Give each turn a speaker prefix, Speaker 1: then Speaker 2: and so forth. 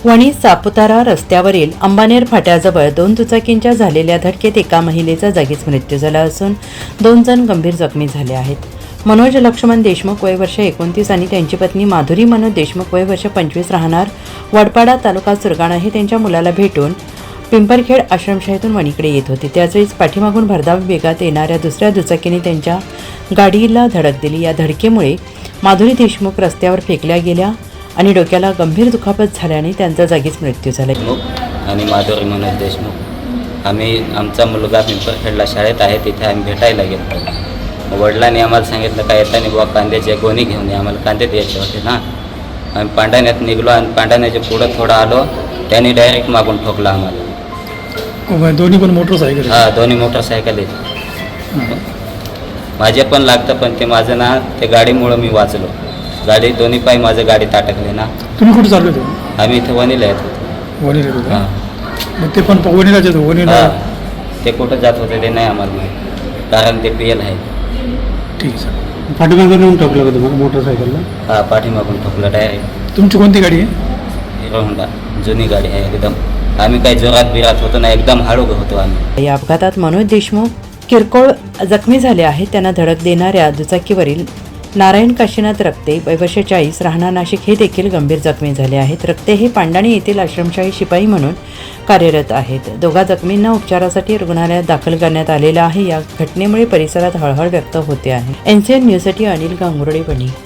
Speaker 1: वणी सापुतारा रस्त्यावरील अंबानेर फाट्याजवळ 2 दुचाकींच्या झालेल्या धडकेत एका महिलेचा जागीच मृत्यू झाला असून 2 जण गंभीर जखमी झाले आहेत. मनोज लक्ष्मण देशमुख वय वर्ष 29 आणि त्यांची पत्नी माधुरी मनोज देशमुख वय वर्ष 25 राहणार वडपाडा तालुका सुरगाणा हे त्यांच्या मुलाला भेटून पिंपरखेड आश्रमशाहीतून वणीकडे येत होते. त्याचवेळी पाठीमागून भरधाव वेगात येणाऱ्या दुसऱ्या दुचाकीने त्यांच्या गाडीला धडक दिली. या धडकेमुळे माधुरी देशमुख रस्त्यावर फेकल्या गेल्या आणि डोक्याला गंभीर दुखापत झाल्याने त्यांचा जागीच मृत्यू झाला.
Speaker 2: आणि माधुरी मनोज देशमुख आमचा मुलगा पिंपरखेडला शाळेत आहे, तिथे आम्ही भेटायला गेलो. वडिलांनी आम्हाला सांगितलं का येताना बुवा कांद्याचे गोणी घेऊन ये, आम्हाला कांदे द्यायचे होते ना. आम्ही पांढाण्यात निघलो आणि पांढाण्याच्या पुढं थोडं आलो, त्यांनी डायरेक्ट मागून ठोकला आम्हाला.
Speaker 3: दोन्ही पण मोटरसायकल?
Speaker 2: हां, दोन्ही मोटरसायकल आहेत. माझे पण लागतं, पण ते माझं ना ते गाडीमुळं मी वाचलो. गाडी दोन्ही पाय माझं गाडीत अटकले ना.
Speaker 3: तुम्ही कुठे चालले होते?
Speaker 2: आम्ही इथं वणीला येत होतो.
Speaker 3: वणीला होते?
Speaker 2: हां.
Speaker 3: मग ते पण वणीला येतो? वणीला
Speaker 2: ते कुठं जात होते ते नाही आम्हाला माहीत, कारण ते PL आहे.
Speaker 3: ठीक आहे सर. पाठीमागून येऊन ठोकलं का तुम्हाला मोटरसायकलला?
Speaker 2: हां, पाठीमागून ठोकलं डायरेक्ट.
Speaker 3: तुमची कोणती गाडी आहे?
Speaker 2: हिरो होंडा, जुनी गाडी आहे एकदम. आम्ही काही जोरात बिरात होतो ना, एकदम हळू होतो आम्ही.
Speaker 1: या अपघातात मनोज देशमुख किरकोळ जखमी झाले आहेत. त्यांना धडक देणाऱ्या दुचाकीवरील नारायण काशीनाथ रक्ते वय वर्ष 40 राहणार नाशिक हे देखील गंभीर जखमी झाले आहेत. रक्ते हे पांडाणी येथील आश्रमशाही शिपाई म्हणून कार्यरत आहेत. दोघा जखमींना उपचारासाठी रुग्णालयात दाखल करण्यात आलेलं आहे. या घटनेमुळे परिसरात हळहळ व्यक्त होते आहे. NCN न्यूजसाठी अनिल गांगुर्डे, वणी.